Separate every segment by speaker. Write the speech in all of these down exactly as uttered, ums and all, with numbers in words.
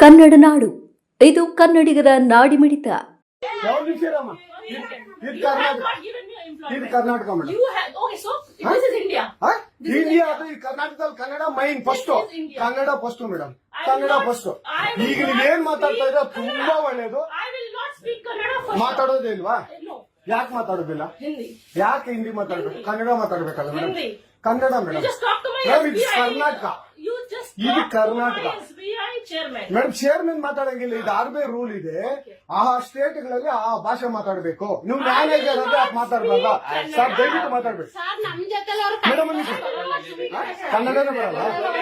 Speaker 1: ಕನ್ನಡ ನಾಡು, ಇದು ಕನ್ನಡಿಗರ ನಾಡಿಮಿಡಿತ.
Speaker 2: ಯಾವ ನಿಮಿಷರಮ್ಮ ಇದು ಕರ್ನಾಟಕ ಇದು Karnataka madam
Speaker 3: You have okay, so this is India.
Speaker 2: India ಅದು ಈ ಕರ್ನಾಟಕದಲ್ಲಿ Kannada main first
Speaker 3: This is India.
Speaker 2: Kannada first madam
Speaker 3: I
Speaker 2: Kannada
Speaker 3: will not-
Speaker 2: first
Speaker 3: I will
Speaker 2: ಈಗ
Speaker 3: not
Speaker 2: ನೀವ್ ಏನ್ ಮಾತಾಡ್ತಾ ಇದ್ರೆ
Speaker 3: speak
Speaker 2: ತುಂಬಾ
Speaker 3: Kannada.
Speaker 2: ಒಳ್ಳೇದು.
Speaker 3: I will not speak Kannada first.
Speaker 2: ಮಾತಾಡೋದೇ ಇಲ್ವಾ?
Speaker 3: No,
Speaker 2: ಯಾಕೆ ಮಾತಾಡೋದಿಲ್ಲ?
Speaker 3: Hindi.
Speaker 2: ಯಾಕೆ ಹಿಂದಿ ಮಾತಾಡ್ಬೇಕು? ಕನ್ನಡ ಮಾತಾಡ್ಬೇಕಲ್ಲ madam.
Speaker 3: Hindi.
Speaker 2: Kannada
Speaker 3: You
Speaker 2: madam
Speaker 3: just talk to my
Speaker 2: madam
Speaker 3: S B
Speaker 2: ಇದು
Speaker 3: I.
Speaker 2: ಕರ್ನಾಟಕ.
Speaker 3: You just
Speaker 2: ಇದು
Speaker 3: talk
Speaker 2: Karnataka.
Speaker 3: to my S B I chairman.
Speaker 2: Madam chairman ಮಾತಾಡಂಗಿಲ್ಲ, ಇದು ಆರ್ ಬಿ ಐ ರೂಲ್ ಇದೆ. ಆ ಸ್ಟೇಟ್ ಗಳಲ್ಲಿ ಆ ಭಾಷೆ ಮಾತಾಡ್ಬೇಕು. ನೀವು ಮ್ಯಾನೇಜರ್ ಅಂದ್ರೆ ಯಾಕೆ ಮಾತಾಡ್ಬಲ್ಲ ಸರ್? ದಯವಿಟ್ಟು ಮಾತಾಡ್ಬೇಕು
Speaker 4: ಸರ್ ನಮ್ ಜೊತೆ
Speaker 2: ಮೇಡಮ್. ಕನ್ನಡನೇ ಬರಲ್ಲ.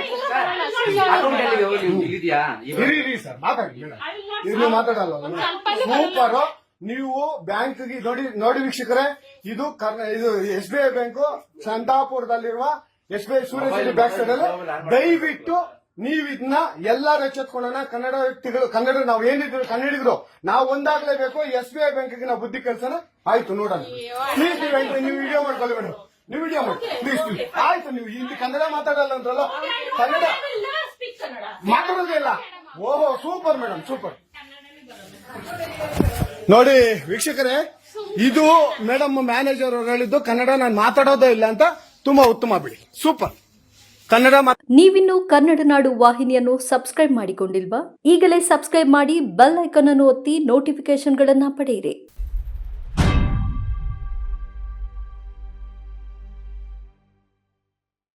Speaker 2: ಇರಿ ಇರಿ ಸರ್ ಮಾತಾಡಿ ಮೇಡಮ್.
Speaker 3: I will not
Speaker 2: ಇಲ್ಲಿ ಮಾತಾಡಲ್ಲ ಸೂಪರ್. ನೀವು ಬ್ಯಾಂಕ್ ನೋಡಿ ನೋಡಿ ವೀಕ್ಷಕರೇ, ಇದು ಕರ್ನಾ ಇದು ಎಸ್ ಬಿ ಐ ಬ್ಯಾಂಕು ಸಂತಾಪುರದಲ್ಲಿರುವ ಎಸ್ ಬಿ ಐ ಸೂರ್ಯಸಿರಿ ಬ್ಯಾಕ್ ಸೈಡ್ ಅಲ್ಲಿ. ದಯವಿಟ್ಟು ನೀವು ಇದನ್ನ ಎಲ್ಲಾರು ಎಚ್ಚೆತ್ಕೊಳ್ಳೋಣ. ಕನ್ನಡ ವ್ಯಕ್ತಿಗಳು, ಕನ್ನಡ ನಾವು ಏನಿದ್ರು ಕನ್ನಡಿಗರು ನಾವು ಒಂದಾಗ್ಲೇಬೇಕು. ಎಸ್ ಬಿ ಐ ಬ್ಯಾಂಕ್ಗೆ ನಾವು ಬುದ್ಧಿ ಕೆಲಸನ ಆಯ್ತು ನೋಡೋಣ. ಪ್ಲೀಸ್ ನೀವು ನೀವು ವಿಡಿಯೋ ಮಾಡ್ಕೊಳ್ಳಿ ಮೇಡಮ್, ನೀವು ವಿಡಿಯೋ ಮಾಡಿ ಪ್ಲೀಸ್ ಪ್ಲೀಸ್. ಆಯ್ತು, ನೀವು ಇಲ್ಲಿ ಕನ್ನಡ ಮಾತಾಡಲ್ಲ ಅಂದ್ರಲ್ಲ, Kannada
Speaker 3: I will never speak Kannada.
Speaker 2: ಮಾತಾಡೋದೇ ಇಲ್ಲ. ಓಹೋ ಸೂಪರ್ ಮೇಡಮ್ ಸೂಪರ್. ನೋಡಿ ವೀಕ್ಷಕರೇ, ಇದು ಮೇಡಮ್ ಮ್ಯಾನೇಜರ್ ಅವರು ಹೇಳಿದ್ದು ಕನ್ನಡ ನಾನು ಮಾತಾಡೋದೇ ಇಲ್ಲ ಅಂತ. ತುಂಬಾ ಉತ್ತಮ ಬಿಡಿ, ಸೂಪರ್. ಕನ್ನಡ
Speaker 1: ನೀವಿನ್ನು ಕನ್ನಡ ನಾಡು ವಾಹಿನಿಯನ್ನು ಸಬ್ಸ್ಕ್ರೈಬ್ ಮಾಡಿಕೊಂಡಿಲ್ವಾ? ಈಗಲೇ ಸಬ್ಸ್ಕ್ರೈಬ್ ಮಾಡಿ ಬೆಲ್ ಐಕಾನ್ ಅನ್ನು ಒತ್ತಿ ನೋಟಿಫಿಕೇಶನ್ಗಳನ್ನ ಪಡೆಯಿರಿ.